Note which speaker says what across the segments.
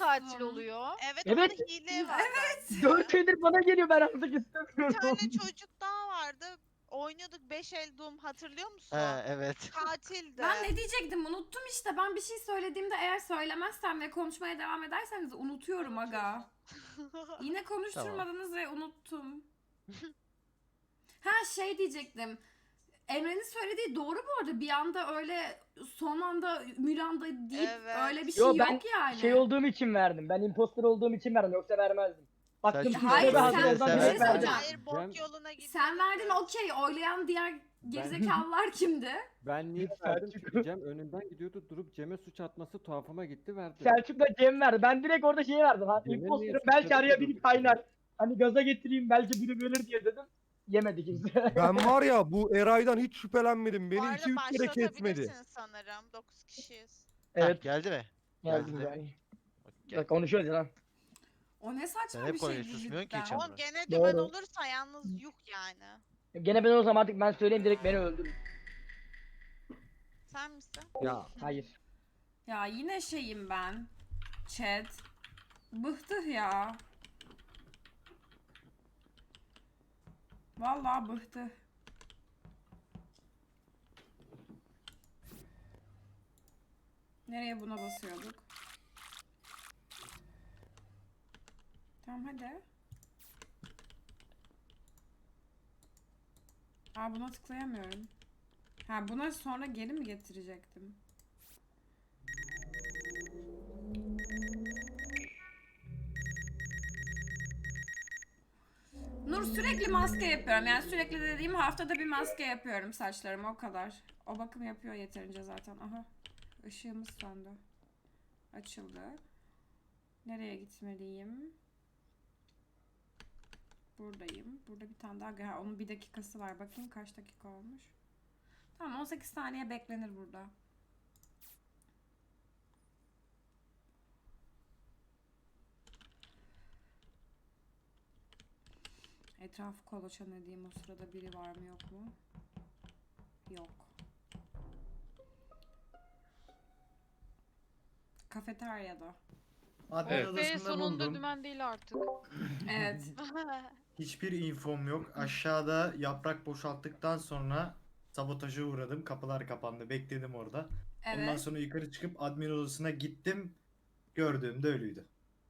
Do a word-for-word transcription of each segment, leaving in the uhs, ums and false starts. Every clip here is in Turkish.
Speaker 1: katil oluyor?
Speaker 2: Evet,
Speaker 3: Evet.
Speaker 2: orada hile var.
Speaker 4: Evet.
Speaker 3: Dört eldir bana geliyor, ben artık
Speaker 2: Bir
Speaker 3: istemiyorum.
Speaker 2: tane çocuk daha vardı. Oynuyorduk beş el Doom, hatırlıyor musun?
Speaker 5: He evet.
Speaker 2: Katildi.
Speaker 4: Ben ne diyecektim unuttum işte. Ben bir şey söylediğimde eğer söylemezsem ve konuşmaya devam ederseniz unutuyorum aga. Yine konuşturmadınız ve unuttum. Ha şey diyecektim. Emre'nin söylediği doğru bu arada. Bir anda öyle son anda Mülanda deyip
Speaker 2: Evet.
Speaker 4: öyle bir şey
Speaker 3: Yo,
Speaker 4: yok
Speaker 3: ben
Speaker 4: yani.
Speaker 3: şey olduğum için verdim. Ben imposter olduğum için verdim, yoksa vermezdim. Baktım
Speaker 5: Selçuk,
Speaker 3: ki
Speaker 4: Hayır,
Speaker 3: işte hazır
Speaker 4: sen-
Speaker 3: olsam
Speaker 4: bir şey
Speaker 3: direkt verdim.
Speaker 4: söyleyeceğim.
Speaker 2: Hayır, bok
Speaker 6: Ben-
Speaker 2: yoluna gitti.
Speaker 4: Sen verdin okey. Oylayan diğer gerizekalılar kimdi?
Speaker 6: Ben niye verdim çünkü Cem önünden gidiyordu, durup Cem'e suç atması tuhafıma gitti, verdi.
Speaker 3: Selçuk'la Cem verdi. Ben direkt orada şeyi verdim. Ha,
Speaker 6: Cem'e niye
Speaker 3: imposter'ım,
Speaker 6: suçladın
Speaker 3: belki araya
Speaker 6: ki
Speaker 3: biri
Speaker 6: durduk
Speaker 3: kaynar. Hani gaza getireyim, belki biri ölür diye dedim. Yemedi kimse.
Speaker 7: Ben var ya bu Eray'dan hiç şüphelenmedim.
Speaker 2: Bu
Speaker 7: Beni
Speaker 2: arada
Speaker 7: iki üç kere kesmedi.
Speaker 2: başlatabilirsin sanırım. dokuz kişiyiz.
Speaker 3: Evet.
Speaker 5: Evet. Geldi mi?
Speaker 3: Geldim
Speaker 5: Geldi.
Speaker 3: yani.
Speaker 5: Gel.
Speaker 3: Bak konuşuyoruz ya lan.
Speaker 4: O ne saçma
Speaker 5: Sen hep
Speaker 4: bir şey
Speaker 5: konuşuyorsun, susmuyorsun ki hiç
Speaker 4: cidden.
Speaker 5: ama.
Speaker 2: Oğlum gene dümen
Speaker 3: Doğru.
Speaker 2: olursa yalnız yuh yani.
Speaker 3: Gene ben o zaman artık ben söyleyeyim, direkt beni öldürün.
Speaker 2: Sen misin?
Speaker 7: Ya
Speaker 3: Hayır.
Speaker 4: Ya yine şeyim ben. Chat. Bıhtıh ya. Vallahi bıhtı. Nereye buna basıyorduk? Tamam hadi. Aa buna tıklayamıyorum. Ha buna sonra geri mi getirecektim? Nur sürekli maske yapıyorum. Yani sürekli dediğim haftada bir maske yapıyorum saçlarıma o kadar. O bakım yapıyor yeterince zaten. Aha. Işığımız söndü. Açıldı. Nereye gitmeliyim? Buradayım. Burada bir tane daha. Ha, onun bir dakikası var. Bakayım kaç dakika olmuş. Tamam on sekiz saniye beklenir burada. Etrafı kolaçan edeyim. O sırada biri var mı yok mu? Yok. Kafeteryada.
Speaker 8: Admin
Speaker 1: Evet. Ve
Speaker 8: odasında
Speaker 1: sonunda
Speaker 8: buldum.
Speaker 1: dümen değil artık.
Speaker 4: Evet.
Speaker 8: Hiçbir infom yok. Aşağıda yaprak boşalttıktan sonra sabotaja uğradım. Kapılar kapandı. Bekledim orada. Ondan
Speaker 4: Evet.
Speaker 8: sonra yukarı çıkıp admin odasına gittim. Gördüğümde ölüydü.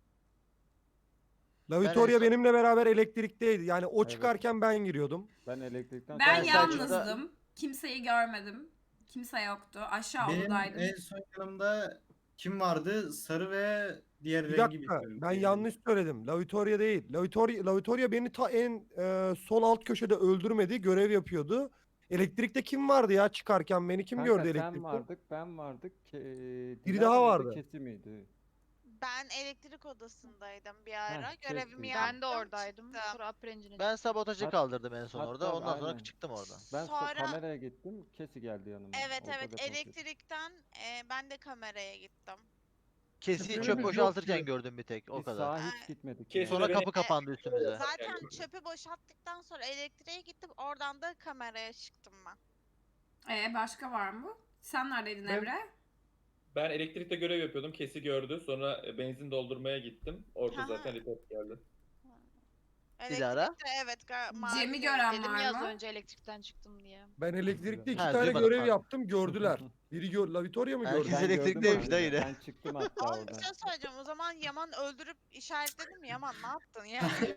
Speaker 7: La Victoria
Speaker 5: Ben en son-
Speaker 7: benimle beraber elektrikteydi. Yani o
Speaker 6: Evet.
Speaker 7: çıkarken ben giriyordum.
Speaker 6: Ben elektrikten
Speaker 4: Ben
Speaker 5: Ben
Speaker 4: yalnızdım.
Speaker 5: Selçuk'ta-
Speaker 4: Kimseyi görmedim. Kimse yoktu. Aşağı
Speaker 8: Benim
Speaker 4: odadaydım.
Speaker 8: en son yanımda kim vardı? Sarı ve diğer
Speaker 7: Bir
Speaker 8: rengi
Speaker 7: dakika
Speaker 8: bilmiyorum.
Speaker 7: ben yanlış söyledim. La Victoria değil. La Victoria, La Victoria beni ta en e, sol alt köşede öldürmedi. Görev yapıyordu. Elektrikte kim vardı ya çıkarken beni kim
Speaker 6: Kanka,
Speaker 7: gördü
Speaker 6: sen
Speaker 7: elektrikte?
Speaker 6: vardık, ben vardık. Ke
Speaker 7: Biri
Speaker 6: Dilara
Speaker 7: daha
Speaker 6: mıydı,
Speaker 7: vardı.
Speaker 6: Kesi miydi?
Speaker 2: Ben elektrik odasındaydım bir ara.
Speaker 6: Heh,
Speaker 2: Görevimi
Speaker 6: kesin.
Speaker 2: yaptım.
Speaker 1: Ben de oradaydım.
Speaker 2: çıktım.
Speaker 1: Sonra Aprencin'e
Speaker 5: Ben sabotajı
Speaker 6: Hat-
Speaker 5: kaldırdım en son
Speaker 6: hatta
Speaker 5: orada. Ondan sonra
Speaker 6: aynen.
Speaker 5: çıktım oradan.
Speaker 6: Ben so-
Speaker 2: Sonra-
Speaker 6: kameraya gittim, Kesi geldi yanıma.
Speaker 2: Evet
Speaker 6: Orada
Speaker 2: evet
Speaker 6: depo yapıyor.
Speaker 2: elektrikten e, ben de kameraya gittim.
Speaker 5: Kesi
Speaker 7: Şüpheli
Speaker 5: çöp
Speaker 7: bir
Speaker 5: boşaltırken
Speaker 7: yok.
Speaker 5: gördüm bir tek. O
Speaker 6: Biz
Speaker 5: kadar.
Speaker 6: sağa hiç gitmedik.
Speaker 9: Kesin
Speaker 6: yani.
Speaker 5: Sonra
Speaker 9: beni-
Speaker 5: kapı kapandı üstümüze.
Speaker 2: Zaten çöpü boşalttıktan sonra elektriğe gittim. Oradan da kameraya çıktım ben.
Speaker 4: Ee, başka var mı? Sen neredeydin
Speaker 9: Ben-
Speaker 4: Emre?
Speaker 9: Ben elektrikte görev yapıyordum. Kesi gördü. Sonra e, benzin doldurmaya gittim. Orada
Speaker 2: Aha.
Speaker 9: zaten report geldi.
Speaker 5: Dilara?
Speaker 2: Elektrikte evet. ga- mavi
Speaker 4: Cem'i
Speaker 2: renk.
Speaker 4: gören
Speaker 1: Dedim
Speaker 4: var
Speaker 1: ya az
Speaker 4: mı?
Speaker 1: önce elektrikten çıktım diye.
Speaker 7: Ben elektrikte iki
Speaker 5: Ha,
Speaker 7: tane
Speaker 5: duymadım,
Speaker 7: görev
Speaker 5: pardon.
Speaker 7: yaptım gördüler. Biri gör La Victoria mı
Speaker 5: Herkes
Speaker 7: gördü?
Speaker 6: Ben
Speaker 5: elektrikteymiş
Speaker 6: gördüm
Speaker 5: da
Speaker 6: abi,
Speaker 5: yine.
Speaker 6: Ben çıktım hatta
Speaker 2: Oğlum bir
Speaker 6: oradan.
Speaker 2: şey söyleyeceğim. O zaman Yaman öldürüp işaretledim. Yaman ne yaptın yani?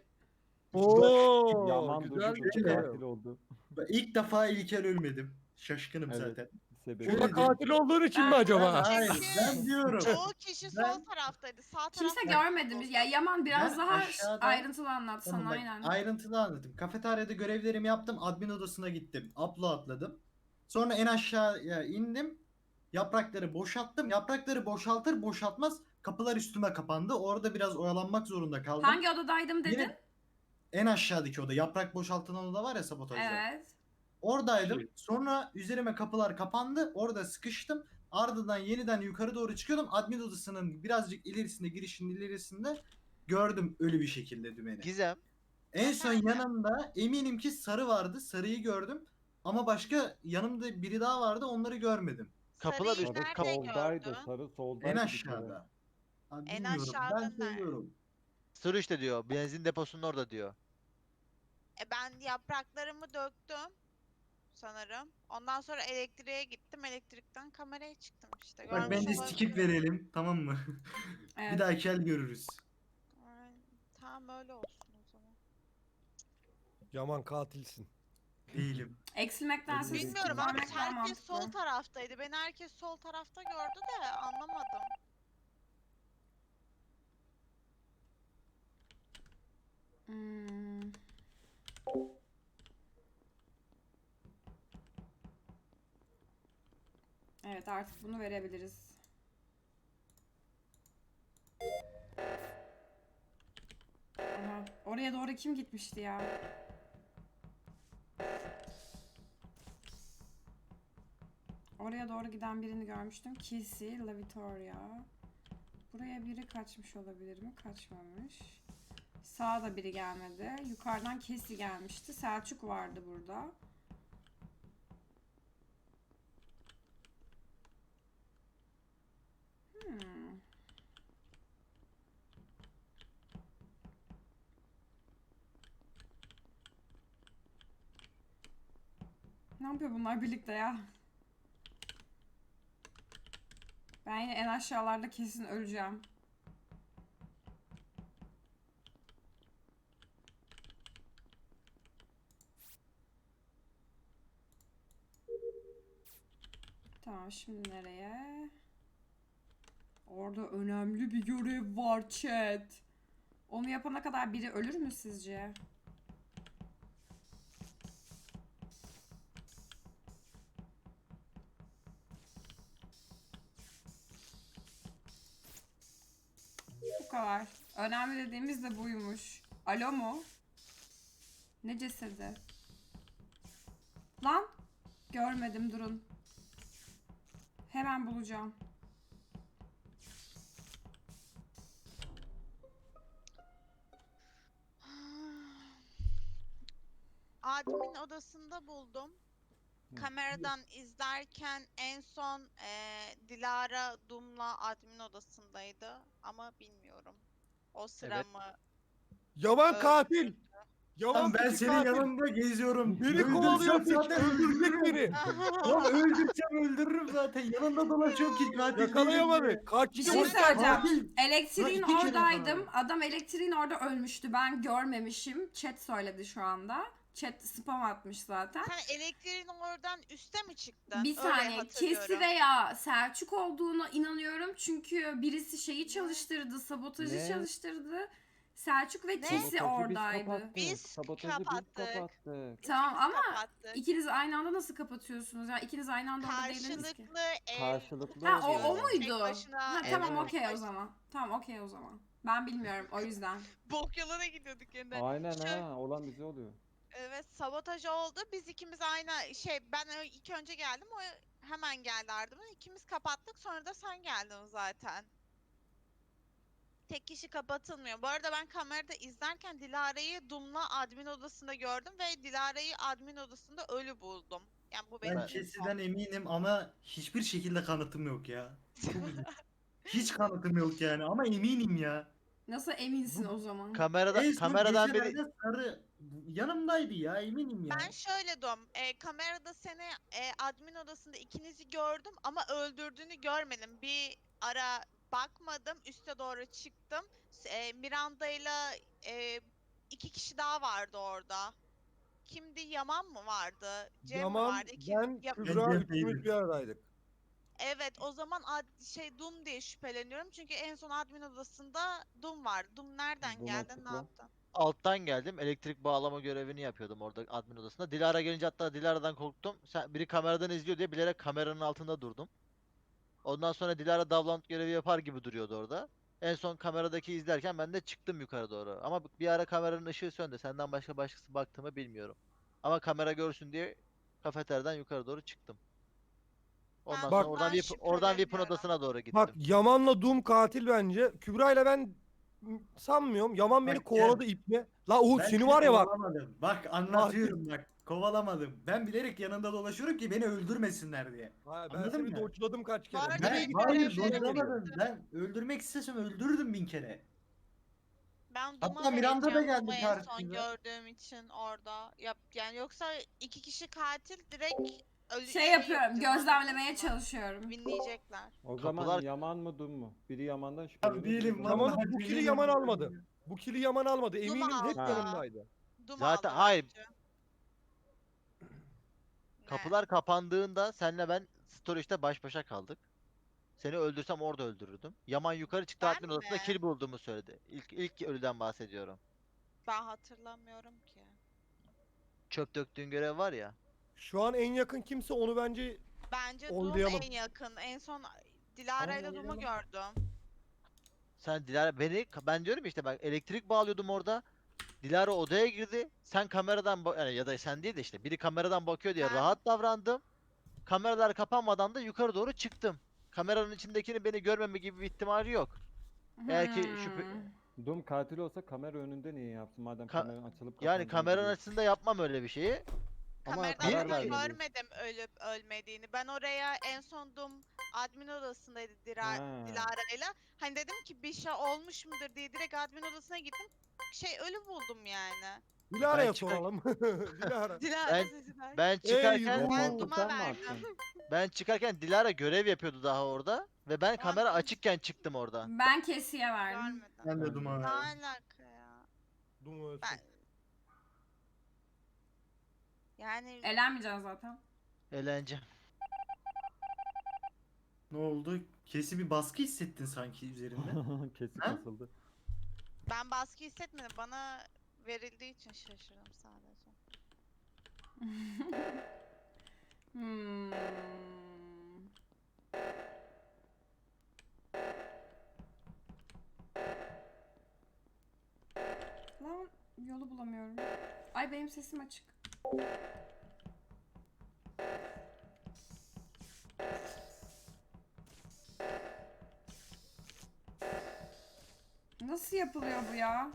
Speaker 7: Oo,
Speaker 6: Yaman
Speaker 7: güzel
Speaker 6: durdu,
Speaker 7: bir şey.
Speaker 6: katil oldu.
Speaker 8: Ben ilk defa İlker ölmedim. Şaşkınım
Speaker 6: Evet.
Speaker 8: zaten.
Speaker 6: Sebebi.
Speaker 7: O da katil olduğun için mi
Speaker 4: Ben-
Speaker 7: acaba?
Speaker 8: Hayır
Speaker 2: Çünkü
Speaker 8: ben diyorum.
Speaker 2: Çoğu kişi sol
Speaker 8: Ben-
Speaker 2: taraftaydı. Sağ
Speaker 4: Kimse
Speaker 2: tarafta-
Speaker 4: görmedi. Ya Yaman biraz
Speaker 8: Ben
Speaker 4: daha
Speaker 8: aşağıda-
Speaker 4: ayrıntılı anlatsana
Speaker 8: Tamam, bak,
Speaker 4: aynen.
Speaker 8: ayrıntılı anlatayım. Kafeteryada görevlerimi yaptım. Admin odasına gittim. Upload atladım. Sonra en aşağıya indim. Yaprakları boşalttım. Yaprakları boşaltır boşaltmaz kapılar üstüme kapandı. Orada biraz oyalanmak zorunda kaldım.
Speaker 4: Hangi odadaydım dedin?
Speaker 8: Yine en aşağıdaki oda. Yaprak boşaltılan oda var ya sabotajda.
Speaker 4: Evet.
Speaker 8: Oradaydım. Sonra üzerime kapılar kapandı. Orada sıkıştım. Ardından yeniden yukarı doğru çıkıyordum. Admin odasının birazcık ilerisinde, girişinin ilerisinde gördüm ölü bir şekilde dümeni.
Speaker 5: Gizem.
Speaker 8: En son yanımda eminim ki sarı vardı. Sarıyı gördüm. Ama başka yanımda biri daha vardı. Onları görmedim.
Speaker 5: Kapılar
Speaker 2: Sarıyı
Speaker 5: üstü-
Speaker 2: nerede
Speaker 6: Sarı soldaydı,
Speaker 2: gördün?
Speaker 6: sarı soldaydı.
Speaker 8: En
Speaker 6: bir kere.
Speaker 8: aşağıda. Abi
Speaker 2: En
Speaker 8: bilmiyorum. Ben
Speaker 2: aşağıda nerede?
Speaker 8: söylüyorum.
Speaker 5: Sır işte diyor. Benzin deposunun orada diyor.
Speaker 2: E ben yapraklarımı döktüm sanırım. Ondan sonra elektriğe gittim. Elektrikten kameraya çıktım işte.
Speaker 8: Bak
Speaker 2: Görmüş
Speaker 8: bence
Speaker 2: olabilirim.
Speaker 8: skip verelim, tamam mı?
Speaker 4: Evet.
Speaker 8: Bir dahaki el görürüz.
Speaker 2: Ay, tamam öyle olsun o zaman.
Speaker 7: Yaman katilsin.
Speaker 8: Değilim.
Speaker 4: Eksilmektense
Speaker 6: Bilmiyorum
Speaker 2: Bilmiyorum
Speaker 4: skip
Speaker 2: abi
Speaker 4: vermek daha
Speaker 2: herkes sol
Speaker 4: mantıklı.
Speaker 2: taraftaydı. Beni herkes sol tarafta gördü de anlamadım.
Speaker 4: Hmm. Evet, artık bunu verebiliriz. Aha, oraya doğru kim gitmişti ya? Oraya doğru giden birini görmüştüm. Kissy, La Vittoria. Buraya biri kaçmış olabilir mi? Kaçmamış. Sağda biri gelmedi. Yukarıdan Kissy gelmişti. Selçuk vardı burada. Hmm. Ne yapıyor bunlar birlikte ya? Ben yine en aşağılarda kesin öleceğim. Tamam, şimdi nereye? Orada önemli bir görev var chat. Onu yapana kadar biri ölür mü sizce? Bu kadar. Önemli dediğimiz de buymuş. Alo mu? Ne cesedi? Lan! Görmedim, durun. Hemen bulacağım.
Speaker 2: Admin odasında buldum. Kameradan izlerken en son eee, Dilara Dum'la admin odasındaydı ama bilmiyorum. O sıra
Speaker 5: Evet.
Speaker 2: mı?
Speaker 7: Yaman
Speaker 2: Öldü.
Speaker 7: katil. Yaman
Speaker 8: Lan ben
Speaker 7: peki
Speaker 8: senin
Speaker 7: katil.
Speaker 8: yanında geziyorum.
Speaker 7: Beni
Speaker 8: Öldürsem
Speaker 7: kovalıyor piç.
Speaker 8: zaten
Speaker 7: Öldürecek beni.
Speaker 8: Lan öldürsem öldürürüm zaten. Yanında dolaşıyorum ki katil değilim diye.
Speaker 7: Yakalayamadı. Kaçtı.
Speaker 4: Bir şey
Speaker 8: Oğlum,
Speaker 4: söyleyeceğim.
Speaker 8: katil.
Speaker 4: Elektriğin
Speaker 8: Lan iki kere
Speaker 4: oradaydım.
Speaker 8: yakaladım.
Speaker 4: Adam elektriğin orada ölmüştü. Ben görmemişim. Chat söyledi şu anda. Chat spam atmış zaten.
Speaker 2: Sen elektriğin oradan üste mi çıktın?
Speaker 4: Bir
Speaker 2: Öyle
Speaker 4: saniye.
Speaker 2: hatırlıyorum.
Speaker 4: Kesi veya Selçuk olduğuna inanıyorum. Çünkü birisi şeyi çalıştırdı. Sabotajı
Speaker 6: Ne?
Speaker 4: çalıştırdı. Selçuk ve
Speaker 2: Ne?
Speaker 4: Kesi
Speaker 6: Sabotajı biz
Speaker 4: oradaydı.
Speaker 6: kapattık.
Speaker 2: Biz
Speaker 6: Sabotajı biz
Speaker 2: kapattık.
Speaker 6: kapattık.
Speaker 4: Tamam
Speaker 2: İkimiz
Speaker 4: ama
Speaker 2: kapattık.
Speaker 4: ikiniz aynı anda nasıl kapatıyorsunuz? Ya ikiniz aynı anda orada değildiniz ki.
Speaker 2: Karşılıklı el.
Speaker 6: Karşılıklı
Speaker 4: Ha o, o
Speaker 6: oluyor.
Speaker 2: Tek
Speaker 4: muydu?
Speaker 2: başına-
Speaker 4: Ha
Speaker 2: Evet.
Speaker 4: tamam
Speaker 2: Evet.
Speaker 4: okey o zaman. Tamam okey o zaman. Ben bilmiyorum o yüzden.
Speaker 2: Bok yoluna gidiyorduk yeniden.
Speaker 6: Aynen
Speaker 2: Şöyle-
Speaker 6: ha. Olan bize oluyor.
Speaker 2: Evet, sabotaj oldu. Biz ikimiz aynı şey, ben ö- ilk önce geldim, o hemen geldi ardımdan. İkimiz kapattık, sonra da sen geldin zaten. Tek kişi kapatılmıyor. Bu arada ben kamerada izlerken Dilara'yı Dum'la admin odasında gördüm ve Dilara'yı admin odasında ölü buldum. Yani bu benim
Speaker 8: Ben
Speaker 2: infom.
Speaker 8: Kesi'den eminim ama hiçbir şekilde kanıtım yok ya. Çok üzücü. Hiç kanıtım yok yani ama eminim ya.
Speaker 4: Nasıl eminsin o zaman?
Speaker 5: Kamerada
Speaker 8: En son
Speaker 5: kameradan
Speaker 8: geçen
Speaker 5: biri
Speaker 8: ayda sarı yanımdaydı ya eminim ya.
Speaker 2: Ben şöyle dom, e, kamerada seni e, admin odasında ikinizi gördüm ama öldürdüğünü görmedim. Bir ara bakmadım, üste doğru çıktım. S- E, Miranda ile e, iki kişi daha vardı orada. Kimdi? Yaman mı vardı? Cem mi
Speaker 7: Yaman,
Speaker 2: vardı? Kim?
Speaker 7: ben,
Speaker 2: Ya-
Speaker 7: Kübra
Speaker 8: Ben
Speaker 7: üçümüz
Speaker 8: Cem'deydim.
Speaker 7: bir aradaydık.
Speaker 2: evet, o zaman ad- şey Dum diye şüpheleniyorum çünkü en son admin odasında Dum vardı. Dum nereden
Speaker 6: Dum
Speaker 2: geldi? Ne
Speaker 6: açıkla.
Speaker 2: yaptın?
Speaker 5: alttan geldim. Elektrik bağlama görevini yapıyordum orada admin odasında. Dilara gelince hatta Dilara'dan korktum. Sen, biri kameradan izliyor diye bilerek kameranın altında durdum. Ondan sonra Dilara davlant görevi yapar gibi duruyordu orada. En son kameradaki izlerken ben de çıktım yukarı doğru. Ama bir ara kameranın ışığı söndü. Senden başka başkası baktı mı bilmiyorum. Ama kamera görsün diye kafeteryadan yukarı doğru çıktım. Ondan
Speaker 2: Ben
Speaker 5: sonra oradan
Speaker 2: bundan
Speaker 5: VIP, oradan VIP'in
Speaker 2: şüpheleniyorum.
Speaker 5: odasına doğru gittim.
Speaker 7: Bak Yaman'la Doom katil bence. Kübra ile ben sanmıyorum. Yaman beni
Speaker 8: Bak,
Speaker 7: kovaladı iple. La Uğur
Speaker 8: Ben
Speaker 7: seni
Speaker 8: seni
Speaker 7: var ya bak.
Speaker 8: kovalamadım. Bak anlatıyorum bak. Kovalamadım. Ben bilerek yanında dolaşıyorum ki beni öldürmesinler diye.
Speaker 7: Ha, ben
Speaker 8: Anladın
Speaker 7: seni
Speaker 8: mı?
Speaker 7: dodge'ladım kaç kere.
Speaker 2: arada
Speaker 7: Nereye
Speaker 2: ben
Speaker 8: Ben
Speaker 7: gittin?
Speaker 8: hayır
Speaker 2: görevleri
Speaker 8: dojlamadım.
Speaker 2: yaptım.
Speaker 8: Ben öldürmek istesem öldürürdüm bin kere.
Speaker 2: Ben
Speaker 8: Hatta
Speaker 2: Duma
Speaker 8: Miranda da
Speaker 2: vereceğim
Speaker 8: geldi
Speaker 2: Duma'yı en son
Speaker 8: karşımıza.
Speaker 2: gördüğüm için orada. Yap, yani yoksa iki kişi katil direkt ölü
Speaker 4: Şey yapıyorum,
Speaker 2: yapacağız,
Speaker 4: gözlemlemeye
Speaker 2: anladınız mı?
Speaker 4: çalışıyorum.
Speaker 2: Winleyecekler.
Speaker 6: O
Speaker 5: Kapılar-
Speaker 6: zaman Yaman mı Dum mu? Biri Yaman'dan
Speaker 8: Ya
Speaker 6: şüpheleniyor. biri
Speaker 8: değilim
Speaker 6: Dum'dan.
Speaker 7: Yaman,
Speaker 8: vallahi
Speaker 7: bu kili
Speaker 8: değilim.
Speaker 7: Yaman almadı. Bu kili Yaman almadı.
Speaker 2: Duma
Speaker 7: Eminim hep
Speaker 2: aldı.
Speaker 7: yanımdaydı.
Speaker 2: Duma
Speaker 5: Zaten-
Speaker 2: aldı
Speaker 5: hayır.
Speaker 2: bence. Ne?
Speaker 5: Kapılar kapandığında senle ben storage'da baş başa kaldık. Seni öldürsem orada öldürürdüm. Yaman yukarı çıktı,
Speaker 2: Ben
Speaker 5: admin odasında
Speaker 2: mi?
Speaker 5: kill bulduğumu söyledi. İlk ilk ölüden bahsediyorum.
Speaker 2: Ben hatırlamıyorum ki.
Speaker 5: Çöp döktüğün görev var ya.
Speaker 7: Şu an en yakın kimse onu bence
Speaker 2: Bence Dum
Speaker 7: Oylayalım.
Speaker 2: en yakın. En son Dilara ile Dum'u gördüm.
Speaker 5: Sen Dilara beni ben diyorum ya işte ben elektrik bağlıyordum orada. Dilara odaya girdi. Sen kameradan ba- yani ya da sen değil de işte biri kameradan bakıyor diye
Speaker 2: Ben-
Speaker 5: rahat davrandım. Kameralar kapanmadan da yukarı doğru çıktım. Kameranın içindekini beni görmeme gibi bir ihtimali yok. Eğer ki şüphe-
Speaker 4: Hmm.
Speaker 6: Dum katil olsa kamera önünde niye yapsın madem
Speaker 5: Ka-
Speaker 6: kamera açılıp
Speaker 5: Yani
Speaker 6: kapandığını
Speaker 5: kameranın
Speaker 6: biliyor.
Speaker 5: açısında yapmam öyle bir şeyi.
Speaker 6: Ama
Speaker 2: Kameradan
Speaker 6: karar
Speaker 2: ama
Speaker 6: vermedi.
Speaker 2: görmedim ölüp ölmediğini. Ben oraya en son Dum admin odasındaydı Dira
Speaker 6: Ha.
Speaker 2: Dilara'yla. Hani dedim ki bir şey olmuş mudur diye direkt admin odasına gittim. Şey ölü buldum yani.
Speaker 7: Dilara'ya
Speaker 5: Ben çıkar-
Speaker 7: soralım. Dilara.
Speaker 2: Dilara
Speaker 5: Ben-
Speaker 2: sesinden.
Speaker 5: Ben çıkarken
Speaker 7: Ey,
Speaker 2: Ben
Speaker 6: Koltuktan
Speaker 2: Dum'a
Speaker 6: mı
Speaker 2: verdim.
Speaker 6: attın?
Speaker 5: ben çıkarken Dilara görev yapıyordu daha orada ve ben kamera
Speaker 2: Abi-
Speaker 5: açıkken çıktım oradan.
Speaker 4: Ben Kesi'ye verdim.
Speaker 2: Görmedim.
Speaker 8: Ben de
Speaker 6: Ben-
Speaker 8: duman
Speaker 2: Ne
Speaker 8: verdim.
Speaker 2: alaka ya?
Speaker 7: Dum ölsün.
Speaker 2: Ben yani
Speaker 4: Elenmeyeceğiz zaten.
Speaker 5: Eğlence.
Speaker 8: Ne oldu? Kesi bir baskı hissettin sanki üzerinde.
Speaker 6: Kesin
Speaker 8: Ha?
Speaker 6: asıldı.
Speaker 2: ben baskı hissetmedim. Bana verildiği için şaşırdım sadece.
Speaker 4: Hmm. Lan yolu bulamıyorum. Ay benim sesim açık. Nasıl yapılıyor bu ya?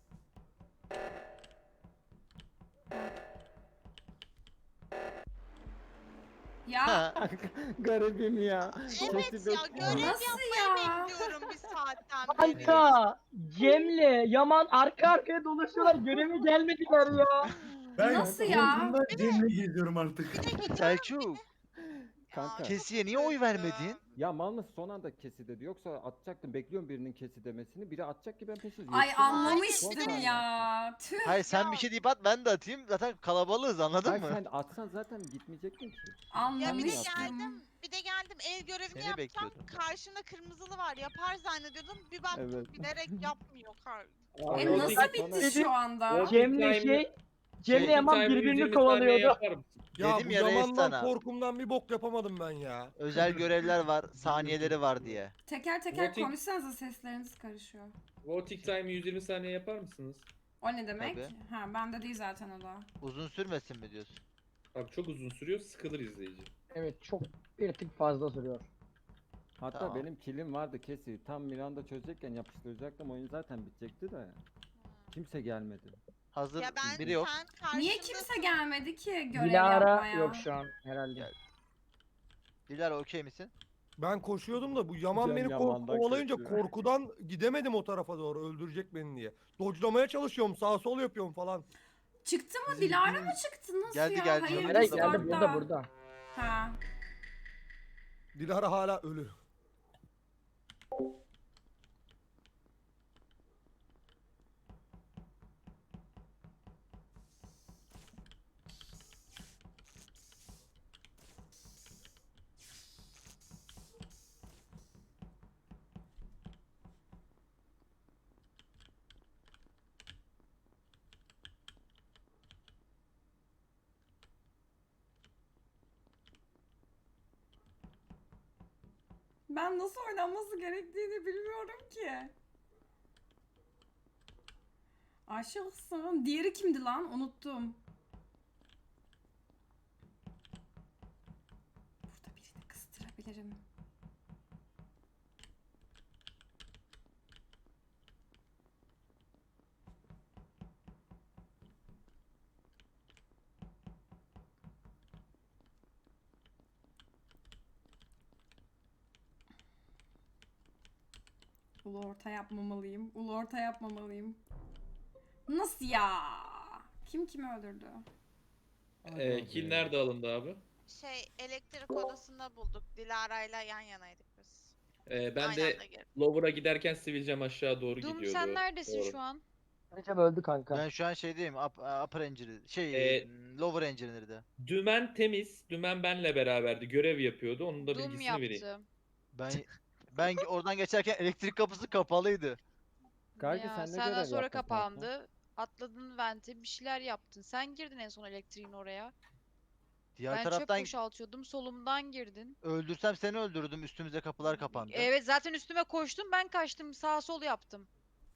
Speaker 4: Ya
Speaker 5: Ha,
Speaker 6: Garibim ya.
Speaker 2: Evet
Speaker 6: Kesi
Speaker 2: ya
Speaker 6: bekliyor.
Speaker 2: görev
Speaker 4: Nasıl
Speaker 2: yapmayı
Speaker 4: ya?
Speaker 2: bekliyorum bir saatten beri.
Speaker 3: Kanka Cem'le Yaman arka arkaya dolaşıyorlar. Göreve gelmediler ya.
Speaker 8: Ben
Speaker 4: Nasıl ya?
Speaker 8: korkumdan Cem'le geziyorum artık.
Speaker 5: Selçuk,
Speaker 6: Kanka.
Speaker 2: Ya,
Speaker 5: Kesi'ye
Speaker 2: çok
Speaker 5: niye oy
Speaker 2: üzüldüm.
Speaker 5: vermedin?
Speaker 6: Ya mal mısın son anda kesi dedi. Yoksa atacaktım. Bekliyorum birinin kesi demesini. Biri atacak ki ben peşiz.
Speaker 4: ay
Speaker 6: yetişemem.
Speaker 4: anlamıştım
Speaker 6: Son saniye.
Speaker 4: ya. Tüh.
Speaker 5: Hayır sen
Speaker 2: Ya-
Speaker 5: bir şey deyip at ben de atayım. Zaten kalabalığız anladın
Speaker 6: Hayır
Speaker 5: mı?
Speaker 6: sen atsan zaten gitmeyecektin ki.
Speaker 2: Ya bir de
Speaker 4: Anlamıştım.
Speaker 2: geldim, bir de geldim el görevini
Speaker 5: Seni
Speaker 2: yapacağım.
Speaker 5: bekliyordum.
Speaker 2: Karşımda kırmızılı var. Yapar zannediyordum. Bir baktım
Speaker 6: Evet.
Speaker 2: bilerek yapmıyor. Kar-
Speaker 4: E
Speaker 6: Abi,
Speaker 9: Voting-
Speaker 4: nasıl
Speaker 6: sonra-
Speaker 4: bitti şu anda?
Speaker 3: Cem'le şey Cem'le
Speaker 5: Şey,
Speaker 3: Yaman
Speaker 9: Timer
Speaker 3: birbirini
Speaker 9: yüz yirmi saniye
Speaker 3: kovalıyordu.
Speaker 9: yapar mısın?
Speaker 7: Ya
Speaker 5: Dedim
Speaker 7: bu
Speaker 5: ya reis
Speaker 7: Yaman'dan
Speaker 5: sana.
Speaker 7: korkumdan bir bok yapamadım ben ya.
Speaker 5: Özel görevler var, saniyeleri var diye.
Speaker 4: Teker teker
Speaker 9: Voting-
Speaker 4: konuşsanıza sesleriniz karışıyor.
Speaker 9: Voting time yüz yirmi saniye yapar mısınız?
Speaker 4: O ne demek?
Speaker 5: Tabii.
Speaker 4: Ha bende değil zaten o da.
Speaker 5: Uzun sürmesin mi diyorsun?
Speaker 9: Abi çok uzun sürüyor, sıkılır izleyici.
Speaker 3: Evet çok bir tık fazla sürüyor.
Speaker 6: Hatta
Speaker 5: Tamam.
Speaker 6: benim kilim vardı kesi. Tam Miranda çözecekken yapıştıracaktım. Oyun zaten bitecekti de. Kimse gelmedi.
Speaker 5: Hazır
Speaker 2: Ya ben
Speaker 5: biri yok.
Speaker 2: sen karşımda
Speaker 4: Niye kimse gelmedi ki görev
Speaker 3: Dilara
Speaker 4: yapmaya?
Speaker 3: yok şu an herhalde.
Speaker 5: Gel. Dilara okey misin?
Speaker 7: Ben koşuyordum da bu Yaman
Speaker 6: Cem
Speaker 7: beni ko-
Speaker 6: Yaman'dan
Speaker 7: kovalayınca
Speaker 6: kaçıyor.
Speaker 7: korkudan gidemedim o tarafa doğru öldürecek beni diye. Dodge'lamaya çalışıyorum sağ sol yapıyorum falan.
Speaker 4: Çıktı mı?
Speaker 8: Bizim
Speaker 4: Dilara
Speaker 8: kim-
Speaker 4: mı çıktı? Nasıl
Speaker 5: Geldi,
Speaker 4: ya?
Speaker 5: geldi.
Speaker 4: Hayır,
Speaker 5: Dilara
Speaker 3: Nereye
Speaker 5: Discord'da.
Speaker 3: geldi? Burada burada.
Speaker 4: Ha.
Speaker 7: Dilara hala ölü.
Speaker 4: Ben nasıl oynanması gerektiğini bilmiyorum ki. Aşıksın. Diğeri kimdi lan? Unuttum. Burada birini kıstırabilirim. Ulu orta yapmamalıyım. Ulu orta yapmamalıyım. Nasıl ya? Kim kimi öldürdü?
Speaker 9: Ee, kill nerede alındı abi?
Speaker 2: Şey elektrik odasında bulduk. Dilara'yla yan yanaydık biz.
Speaker 9: Ee, ben
Speaker 2: Aynı
Speaker 9: de
Speaker 2: anda girdik.
Speaker 9: Lower'a giderken sivilcem aşağı doğru
Speaker 1: Dum
Speaker 9: gidiyordu.
Speaker 1: sen neredesin
Speaker 9: Doğru.
Speaker 1: şu an?
Speaker 3: Recep öldü kanka.
Speaker 5: Ben şu an şeydeyim. Up, upper engineer. Şey,
Speaker 9: Ee,
Speaker 5: m, lower engineer'de.
Speaker 9: Dümen temiz. Dümen benle beraberdi. Görev yapıyordu. Onun da
Speaker 1: Dum
Speaker 9: bilgisini vereyim.
Speaker 1: yaptı.
Speaker 5: Ben ben oradan geçerken elektrik kapısı kapalıydı.
Speaker 6: Kanka
Speaker 1: Ya,
Speaker 6: sen ne
Speaker 1: senden
Speaker 6: görev
Speaker 1: sonra
Speaker 6: yaptın kanka?
Speaker 1: kapandı. Atladın vente bir şeyler yaptın. Sen girdin en son elektriğin oraya.
Speaker 5: Diğer
Speaker 1: Ben çöp
Speaker 5: taraftan
Speaker 1: boşaltıyordum. Solumdan girdin.
Speaker 5: öldürsem seni öldürdüm. Üstümüze kapılar kapandı.
Speaker 1: Evet zaten üstüme koştun ben kaçtım sağ sol yaptım.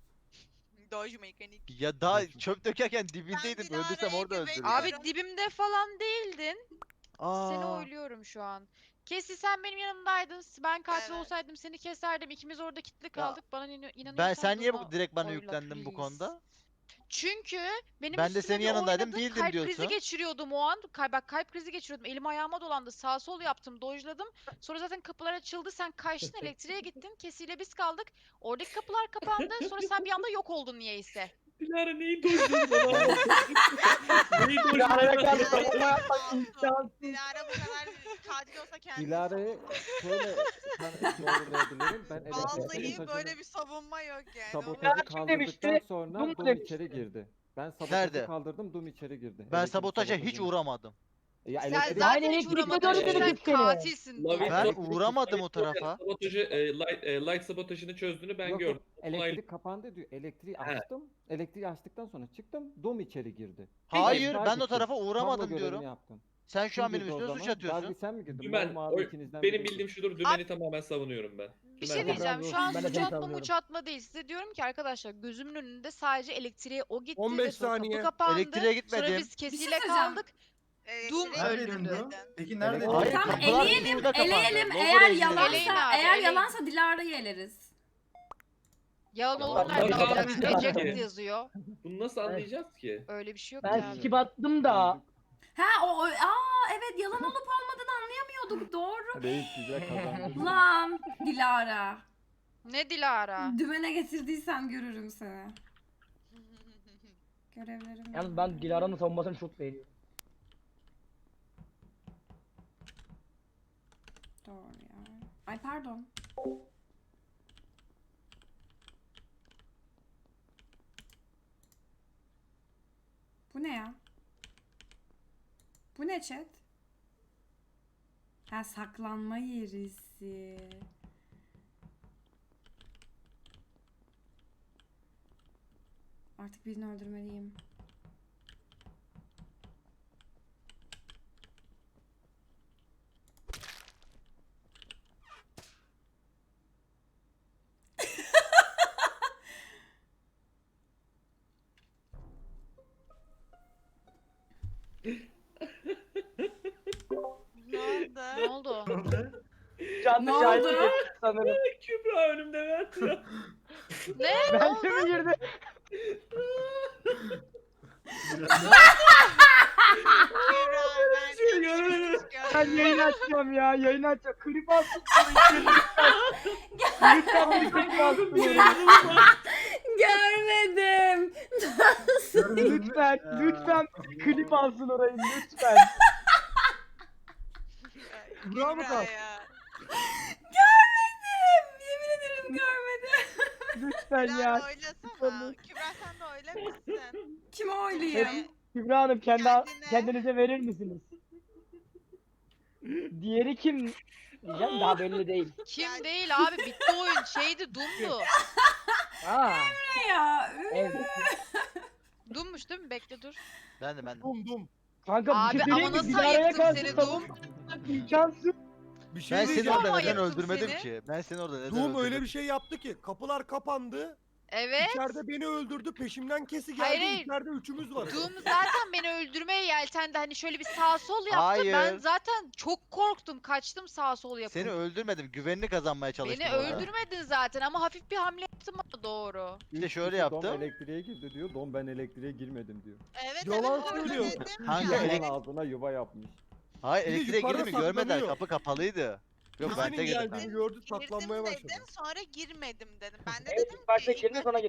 Speaker 2: Doge mekanik.
Speaker 5: Ya daha çöp dökerken dibindeydim.
Speaker 2: Dilara'ya
Speaker 5: Öldürsem orada
Speaker 2: güveniyorum.
Speaker 5: öldürürdüm.
Speaker 1: Abi dibimde falan değildin. Seni
Speaker 5: Aa,
Speaker 1: oyluyorum şu an. Kesi sen benim yanımdaydın. Ben katil
Speaker 2: Evet.
Speaker 1: olsaydım seni keserdim. İkimiz orada kilitli kaldık. Bana inan- inanıyorsan
Speaker 5: ben sen niye bu
Speaker 1: Dum'a
Speaker 5: direkt bana
Speaker 1: oyla,
Speaker 5: yüklendin bu
Speaker 1: please.
Speaker 5: konuda?
Speaker 1: Çünkü benim
Speaker 5: Ben de
Speaker 1: üstüme
Speaker 5: senin
Speaker 1: bir
Speaker 5: yanındaydım,
Speaker 1: oynadın,
Speaker 5: değildim
Speaker 1: kalp
Speaker 5: diyorsun.
Speaker 1: krizi geçiriyordum o an. Kay bak kalp krizi geçiriyordum. Elim ayağıma dolandı. Sağ sol yaptım. Dojladım. Sonra zaten kapılar açıldı. Sen kaçtın elektriğe gittin. Kesiyle biz kaldık. Oradaki kapılar kapandı. Sonra sen bir anda yok oldun niyeyse.
Speaker 9: Dilara neyi dojladın bana? Neyi
Speaker 3: Dilara'ya
Speaker 9: dojladın?
Speaker 3: karşı savunma
Speaker 2: Dilara
Speaker 3: yapmak
Speaker 2: masum.
Speaker 3: imkansız.
Speaker 2: Dilara bu sefer katil olsa kendisi
Speaker 6: Dilara'yı şöyle tan- doğrulayabilirim. Ben elektrikte
Speaker 2: Vallahi
Speaker 6: sabotajını-
Speaker 2: böyle bir savunma yok yani.
Speaker 6: sabotajı
Speaker 3: Dilara kim
Speaker 6: kaldırdıktan
Speaker 3: demişti?
Speaker 6: sonra
Speaker 3: Dum
Speaker 6: Dum
Speaker 3: demişti.
Speaker 6: içeri girdi. Ben sabotajı
Speaker 5: Nerede?
Speaker 6: kaldırdım, Dum içeri girdi.
Speaker 5: Ben
Speaker 6: Elektrik
Speaker 5: sabotaja hiç
Speaker 6: sabotajını.
Speaker 5: uğramadım.
Speaker 6: Ya
Speaker 1: Sen
Speaker 6: elektrik-
Speaker 1: zaten
Speaker 3: Aynen,
Speaker 1: hiç
Speaker 3: elektrikte
Speaker 1: uğramadın.
Speaker 3: döndü
Speaker 1: Sen
Speaker 3: dedik seni.
Speaker 1: katilsin.
Speaker 9: Lavi-
Speaker 5: Ben
Speaker 6: Elektrik-
Speaker 5: uğramadım o tarafa.
Speaker 9: Sabotajı, e, light, e, light sabotajını çözdüğünü ben
Speaker 6: Yok,
Speaker 9: gördüm.
Speaker 6: yok, elektrik kapandı diyor. Elektriği
Speaker 9: He.
Speaker 6: açtım. Elektriği açtıktan sonra çıktım. Dom içeri girdi.
Speaker 5: Hayır,
Speaker 6: Daha
Speaker 5: ben o
Speaker 6: gittim.
Speaker 5: tarafa
Speaker 6: Kablo
Speaker 5: uğramadım
Speaker 6: görevini
Speaker 5: diyorum.
Speaker 6: yaptım.
Speaker 5: Sen şu
Speaker 6: Kim
Speaker 5: an benim
Speaker 6: girdi o
Speaker 5: üstüme suç
Speaker 6: zaman?
Speaker 5: atıyorsun.
Speaker 6: Darby sen mi girdin?
Speaker 9: Dümen,
Speaker 6: Mavi
Speaker 9: o-
Speaker 6: ikinizden
Speaker 9: benim
Speaker 6: biri girdi.
Speaker 9: bildiğim şudur. Dümeni tamamen savunuyorum ben.
Speaker 1: Bir
Speaker 9: Dümen
Speaker 1: şey
Speaker 9: de-
Speaker 1: diyeceğim. Şu an
Speaker 3: Ben de
Speaker 1: suç
Speaker 3: seni
Speaker 1: atma
Speaker 3: savunuyorum.
Speaker 1: muç atma değil. Size diyorum ki arkadaşlar gözümün önünde sadece elektriğe o gitti
Speaker 7: on
Speaker 1: ve
Speaker 7: beş
Speaker 1: sonra
Speaker 7: saniye.
Speaker 1: kapı kapandı.
Speaker 5: Elektriğe
Speaker 1: Sonra
Speaker 5: gitmedim.
Speaker 1: biz
Speaker 4: şey
Speaker 1: kesiyle
Speaker 4: söyleyeceğim.
Speaker 1: kaldık.
Speaker 2: Evet,
Speaker 1: Doom
Speaker 2: direkt
Speaker 8: Neredeydin
Speaker 2: öldürdü.
Speaker 8: Dum? Peki neredeydin?
Speaker 5: Hayır,
Speaker 4: Tamam
Speaker 5: kapılar
Speaker 4: eleyelim,
Speaker 5: üstümüze kapandı.
Speaker 4: eleyelim.
Speaker 5: Lower
Speaker 4: Eğer
Speaker 5: engineer.
Speaker 4: yalansa,
Speaker 1: Eleyin abi,
Speaker 4: eğer
Speaker 1: eleyin.
Speaker 4: yalansa Dilara'yı eleriz.
Speaker 1: Yalan
Speaker 5: Yalan
Speaker 1: olur nerede
Speaker 9: olmaz.
Speaker 1: olacak?
Speaker 9: Yalan.
Speaker 1: Eject yazıyor.
Speaker 9: Bunu nasıl anlayacağız ki?
Speaker 1: Öyle bir şey yok
Speaker 3: Ben
Speaker 1: yani.
Speaker 3: skip attım da.
Speaker 4: Ha o, o aa evet yalan olup olmadığını anlayamıyorduk doğru.
Speaker 6: Reis güzel kazandı.
Speaker 4: Lan Dilara.
Speaker 1: Ne Dilara?
Speaker 4: Dümene getirdiysem görürüm seni. Görevlerim.
Speaker 3: Yalnız ben Dilara'nın savunmasını çok beğeniyorum.
Speaker 4: Doğru ya. Ay pardon. Bu ne ya? Bu ne chat? Ha saklanma yerisi. Artık birini öldürmeliyim.
Speaker 2: Ne oldu?
Speaker 1: Ne oldu?
Speaker 3: Canlı
Speaker 4: Ne
Speaker 3: şahit
Speaker 4: oldu?
Speaker 3: ettim sanırım.
Speaker 9: Kübra önümde Mert ya.
Speaker 1: Ne?
Speaker 3: Bence mi girdi?
Speaker 2: Kübra, ben
Speaker 9: Şey göremedim.
Speaker 3: Ben yayın açacağım ya. Yayın açacağım. Klip alsın. Lütfen. Lütfen bir klip alsın.
Speaker 4: Görmedim.
Speaker 3: Lütfen. Lütfen bir klip alsın orayı. Lütfen.
Speaker 7: Kübra mı kaldı?
Speaker 2: ya.
Speaker 4: Görmedim. Yemin ederim görmedim.
Speaker 3: Lütfen
Speaker 2: Kübra
Speaker 3: ya.
Speaker 2: oylasana. Kübra sen de oylamışsın.
Speaker 4: Kime oylayayım?
Speaker 2: Evet.
Speaker 3: Kübra Hanım kendi,
Speaker 2: Kendine.
Speaker 3: kendinize verir misiniz? Diğeri kim? Diyeceğim daha belli değil.
Speaker 1: Kim değil abi bitti oyun. Şeydi Doom'du.
Speaker 3: Aa,
Speaker 4: Ne ya?
Speaker 3: evet.
Speaker 1: Doom'muş değil mi? Bekle dur.
Speaker 5: Ben de ben de.
Speaker 7: Dum dum.
Speaker 3: Kanka bir
Speaker 1: Abi
Speaker 3: şey söyleyeyim
Speaker 1: ama
Speaker 3: mi?
Speaker 1: nasıl
Speaker 3: Dilara'ya
Speaker 1: ayıktım
Speaker 3: karşı
Speaker 1: seni
Speaker 3: savunmak imkansız.
Speaker 7: Bir şey
Speaker 5: Ben seni
Speaker 7: diyeceğim.
Speaker 5: orada neden
Speaker 1: Yaptım
Speaker 5: öldürmedim
Speaker 1: seni.
Speaker 5: ki? Ben seni orada neden
Speaker 7: Doom
Speaker 5: öldürmedim?
Speaker 7: öyle bir şey yaptı ki kapılar kapandı.
Speaker 1: Evet.
Speaker 7: İçeride beni öldürdü. Peşimden kesi geldi.
Speaker 1: Hayır, hayır.
Speaker 7: İçeride üçümüz var.
Speaker 1: Doom zaten beni öldürmeye yeltendi. Hani şöyle bir sağ sol yaptı.
Speaker 5: Hayır.
Speaker 1: Ben zaten çok korktum. Kaçtım sağ sol yapıp.
Speaker 5: Seni öldürmedim. Güvenini kazanmaya çalıştım.
Speaker 1: Beni
Speaker 5: orada.
Speaker 1: öldürmedin zaten ama hafif bir hamle yaptım ama doğru.
Speaker 5: İşte şöyle
Speaker 6: İşte Dom
Speaker 5: yaptım.
Speaker 6: elektriğe girdi diyor. Dom ben elektriğe girmedim diyor.
Speaker 2: Evet
Speaker 7: Yalan
Speaker 2: evet
Speaker 7: söylüyor.
Speaker 2: öyle dedim
Speaker 5: Hangi
Speaker 2: ya.
Speaker 5: elek-
Speaker 6: Yalan ağzına yuva yapmış.
Speaker 5: Hayır
Speaker 7: Bir de
Speaker 5: elektriğe
Speaker 7: yukarıda
Speaker 5: girdim mi görmediler.
Speaker 7: saklanıyor.
Speaker 5: Kapı kapalıydı. Yok
Speaker 2: Ama
Speaker 5: ben de
Speaker 7: Senin
Speaker 5: girdim.
Speaker 7: geldiğini gördü
Speaker 2: Girdim
Speaker 7: saklanmaya başladı.
Speaker 2: dedim sonra girmedim dedim. Ben de
Speaker 3: Evet,
Speaker 2: dedim
Speaker 3: ilk başta
Speaker 2: ki
Speaker 3: girdin sonra